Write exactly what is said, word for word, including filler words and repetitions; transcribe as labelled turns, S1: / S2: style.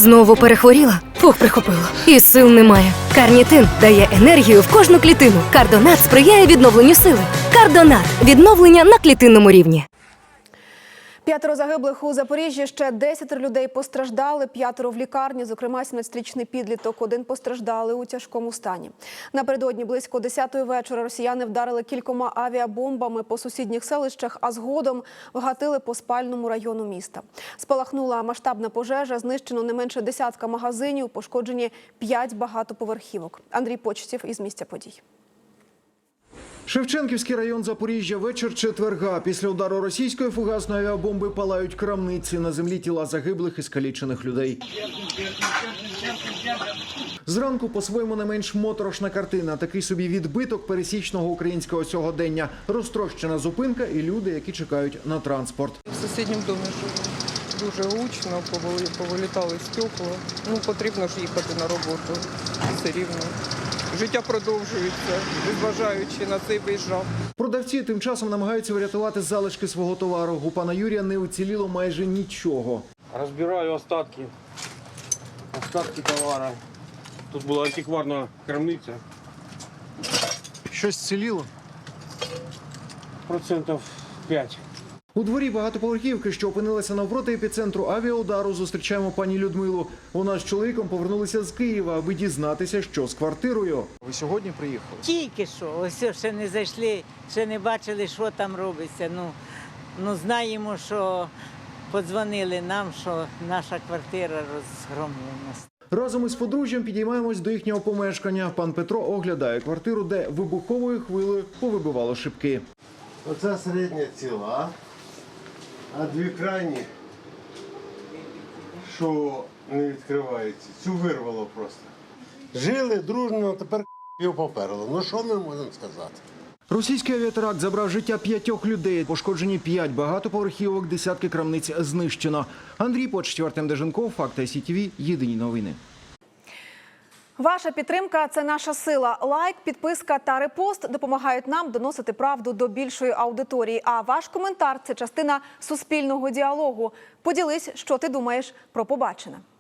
S1: Знову перехворіла? Фух, прихопило. І сил немає. Карнітин дає енергію в кожну клітину. Кардонат сприяє відновленню сили. Кардонат – відновлення на клітинному рівні.
S2: П'ятеро загиблих у Запоріжжі, ще десятеро людей постраждали, п'ятеро в лікарні, зокрема сімнадцятирічний підліток, один постраждалий у тяжкому стані. Напередодні близько десятої вечора росіяни вдарили кількома авіабомбами по сусідніх селищах, а згодом вгатили по спальному району міста. Спалахнула масштабна пожежа, знищено не менше десятка магазинів, пошкоджені п'ять багатоповерхівок. Андрій Почтів із місця подій.
S3: Шевченківський район Запоріжжя, вечір четверга. Після удару російської фугасної авіабомби палають крамниці. На землі тіла загиблих і скалічених людей. Зранку по-своєму не менш моторошна картина. Такий собі відбиток пересічного українського сьогодення. Розтрощена зупинка і люди, які чекають на транспорт.
S4: В сусідньому домі живу. Дуже гучно, повилітали стекла. Ну, потрібно ж їхати на роботу. Все рівно. Життя продовжується, незважаючи на цей виїжджав.
S3: Продавці тим часом намагаються врятувати залишки свого товару. У пана Юрія не уціліло майже нічого.
S5: Розбираю остатки, остатки товару. Тут була антикварна крамниця.
S3: Щось ціліло?
S5: Процентів п'ять.
S3: У дворі багатоповерхівки, що опинилися навпроти епіцентру авіаудару, зустрічаємо пані Людмилу. Вона з чоловіком повернулися з Києва, аби дізнатися, що з квартирою. Ви сьогодні приїхали?
S6: Тільки що. Ось ще не зайшли, ще не бачили, що там робиться. Ну, ну знаємо, що подзвонили нам, що наша квартира розгромлена.
S3: Разом із подружжям підіймаємось до їхнього помешкання. Пан Петро оглядає квартиру, де вибуховою хвилею повибивало шибки.
S7: Оце середня ціла, а дві крайні, що не відкриваються, цю вирвало просто. Жили дружно, тепер його поперло. Ну що ми можемо сказати?
S3: Російський авіатеракт забрав життя п'ятьох людей. Пошкоджені п'ять багатоповерхівок, десятки крамниць знищено. Андрій Почтів, Артем Деженков, Факти ай сі ті ві, єдині новини.
S2: Ваша підтримка – це наша сила. Лайк, підписка та репост допомагають нам доносити правду до більшої аудиторії. А ваш коментар – це частина суспільного діалогу. Поділись, що ти думаєш про побачене.